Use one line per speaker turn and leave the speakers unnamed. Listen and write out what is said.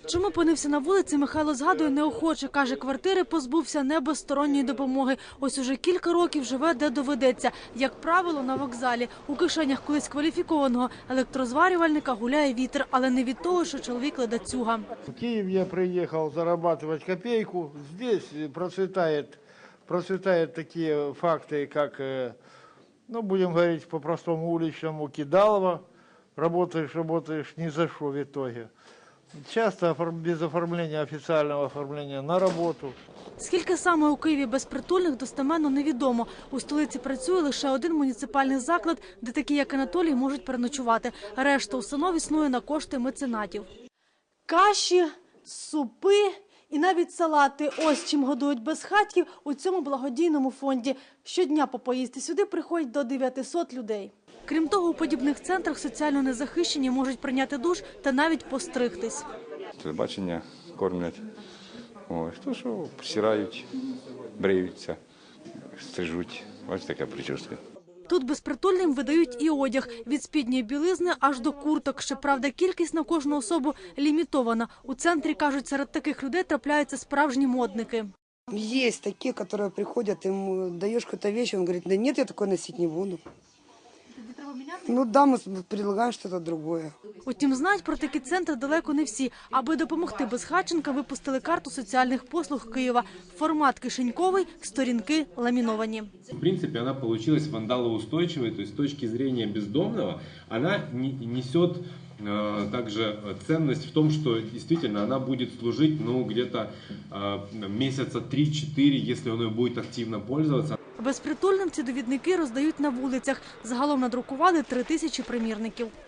Чому опинився на вулиці, Михайло згадує неохоче. Каже, квартири позбувся не без сторонньої допомоги. Ось уже кілька років живе, де доведеться. Як правило, на вокзалі. У кишенях колись кваліфікованого електрозварювальника гуляє вітер, але не від того, що чоловік ледацюга.
В Киев я приехал зарабатывать копейку. Здесь процветают такие факты, как, ну, будем говорить по-простому уличному, кидалово. Работаешь ни за что в итоге. Часто без оформления, официального оформления на роботу.
Скільки саме у Києві безпритульних, достеменно невідомо. У столиці працює лише один муніципальний заклад, де такі, як Анатолій, можуть переночувати. Решта установ існує на кошти меценатів. Каші, супи і навіть салати. Ось чим годують безхатьків у цьому благодійному фонді. Щодня по поїсти сюди приходять до 900 людей. Крім того, у подібних центрах соціально незахищені можуть прийняти душ та навіть постригтись.
Телебачення кормлять, хто що, стирають, бриються, стрижуть. Ось така прическа.
Тут безпритульним видають і одяг – від спідньої білизни аж до курток. Щоправда, кількість на кожну особу лімітована. У центрі, кажуть, серед таких людей трапляються справжні модники.
Есть такие, которые приходят, им даешь какую-то вещь, он говорит, да нет, я такое носить не буду. Ну да, мы предлагаем что-то другое.
Утім, знають про такі центри далеко не всі. Аби допомогти безхатченка, випустили карту соціальних послуг Києва. Формат кишеньковий, сторінки ламіновані.
В принципе, она получилась вандалоустойчивой, то есть с точки зрения бездомного, она несет также ценность в том, что действительно она будет служить где-то месяца 3-4, если он ее будет активно пользоваться.
Безпритульним ці довідники роздають на вулицях. Загалом надрукували 3000 примірників.